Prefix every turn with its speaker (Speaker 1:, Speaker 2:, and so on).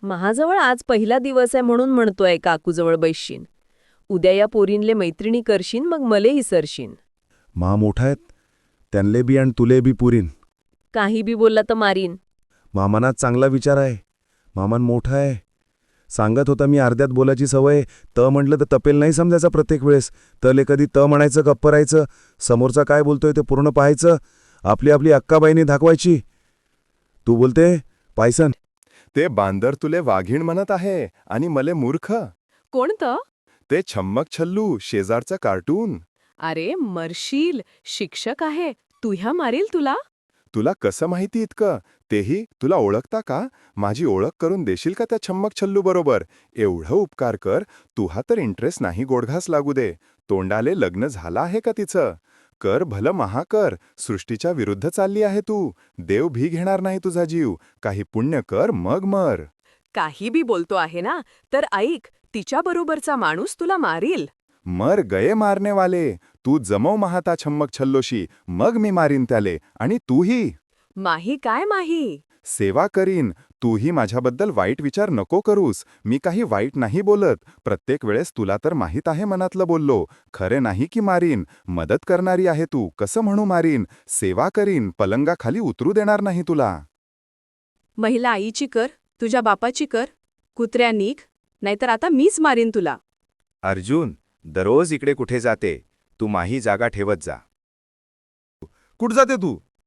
Speaker 1: महाजवळ आज पहिला दिवस आहे म्हणून म्हणतोय काकूजवळ बैशीन. उद्या या पोरींले मैत्रिणी करशीन मग मलेही सरशीन.
Speaker 2: मा मोठा आहेत त्यांले बी आणि तुले बी पुरीन.
Speaker 1: काही बी बोलला तर मारीन.
Speaker 2: मामानात चांगला विचार आहे. मामान मोठा आहे. सांगत होता मी अर्ध्यात बोलायची सवय. म्हटलं तर तपेल नाही समजायचा प्रत्येक वेळेस. तले कधी म्हणायचं गप्प राहायचं. समोरचा काय बोलतोय ते पूर्ण पाहायचं. आपली आपली अक्काबाईनी दाखवायची. तू बोलते पायसन.
Speaker 3: ते बांदर तुले वाघीण म्हणत आहे आणि मले मूर्ख.
Speaker 4: कोणतं?
Speaker 3: ते छम्मक छल्लू शेजारचं कार्टून.
Speaker 4: अरे मरशील, शिक्षक आहे, तुह्या मारील तुला.
Speaker 3: तुला कसं माहिती इतकं? तेही तुला ओळखता का? माझी ओळख करून देशील का त्या छम्मक छल्लू बरोबर? एवढं उपकार कर. तुहा तर इंटरेस्ट नाही गोडघास लागू दे. तोंडाले लग्न झालं आहे का तिचं? कर भलं महाकर. सृष्टीच्या विरुद्ध चालली आहे तू. देव भी घेणार नाही तुझा जीव. काही पुण्य कर मग मर.
Speaker 4: काही बी बोलतो आहे ना, तर ऐक, तिच्याबरोबरचा माणूस तुला मारील.
Speaker 3: मर गये मारनेवाले. तू जमव महाता छम्मक छल्लोशी, मग मी मारीन त्याले. आणि तूही.
Speaker 4: माही काय माही?
Speaker 3: सेवा करीन. तूही माझ्याबद्दल वाईट विचार नको करूस. मी काही वाईट नाही बोलत. प्रत्येक वेळेस तुला तर माहीत आहे मनातलं बोललो. खरे नाही की मारीन. मदत करणारी आहे तू, कसं म्हणू मारीन. सेवा करीन, पलंगाखाली उतरू देणार नाही तुला.
Speaker 4: महिला आईची कर, तुझ्या बापाची कर. कुत्र्या निघ, नाहीतर आता मीच मारीन तुला.
Speaker 5: अर्जुन, दररोज इकडे कुठे जाते? तू माही जागा ठेवत जा.
Speaker 2: कुठं जाते तू?